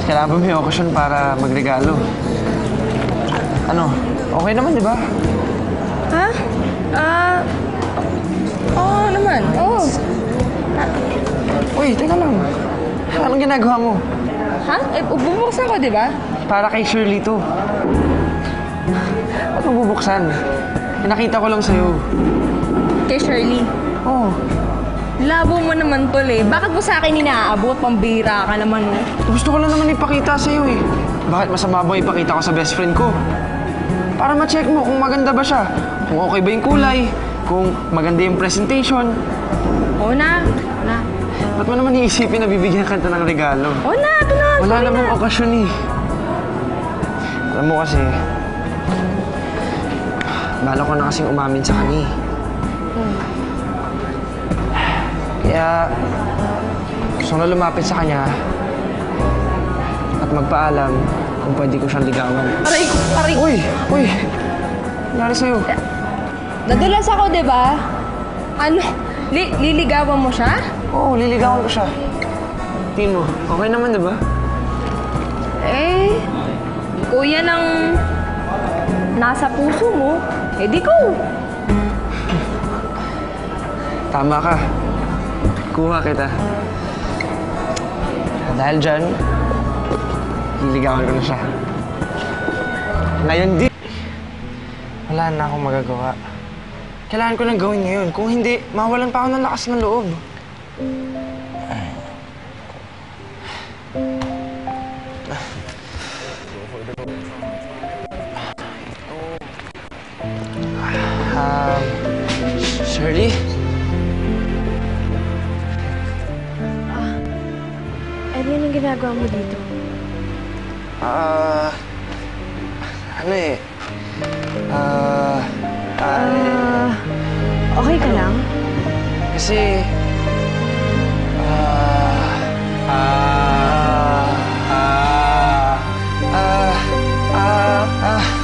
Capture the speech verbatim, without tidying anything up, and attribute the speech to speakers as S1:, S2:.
S1: Kailangan ba may okasyon para magregalo? Ano? Okay naman, di ba?
S2: Ha? Ah... Oo naman, oo.
S1: Uy, teka lang. Anong ginagawa mo?
S2: Ha? Eh, bubuksan ko, di ba?
S1: Para kay Shirley to. Ba't mo bubuksan? Pinakita ko lang sa'yo.
S2: Kay Shirley.
S1: Oo. Oh.
S2: Labo mo naman, tol eh. Bakit mo sa akin inaabot? Pambira ka naman, oh.
S1: Gusto ko lang naman ipakita sa'yo eh. Bakit masama ba ipakita ko sa best friend ko? Para ma-check mo kung maganda ba siya. Kung okay ba yung kulay. Kung maganda yung presentation.
S2: Oo na. Oo na.
S1: Ba't mo naman iisipin na bibigyan ka ng regalo?
S2: Oo na. Ito na.
S1: Wala namang okasyon eh. Alam mo kasi, bala ko na kasing umamin sa kanya eh.
S2: Hmm.
S1: Kaya, gusto ko na lumapit sa kanya at magpaalam kung pwede ko siyang ligawan.
S2: Aray! Aray!
S1: Uy! Uy! Nangyari sa'yo?
S2: Nadulas ako, di ba? Ano? Li liligawan mo siya?
S1: Oo, liligawan ko siya. Tingin mo, okay naman, di ba?
S2: Eh, kuya ng nasa puso mo, eh di ko.
S1: Tama ka. Kuha kita. Dahil dyan, liligawan ko na siya. Ngayon di. Wala na akong magagawa. Kailangan ko nang gawin ngayon. Kung hindi, mawalan pa ako ng lakas ng loob. Um, Shirley?
S2: Ah, ano yun ang ginagawa mo dito?
S1: Ah, uh, ano eh? Ah, uh,
S2: Ah, okay ka lang?
S1: Kasi, ah, ah, ah, ah, ah, ah,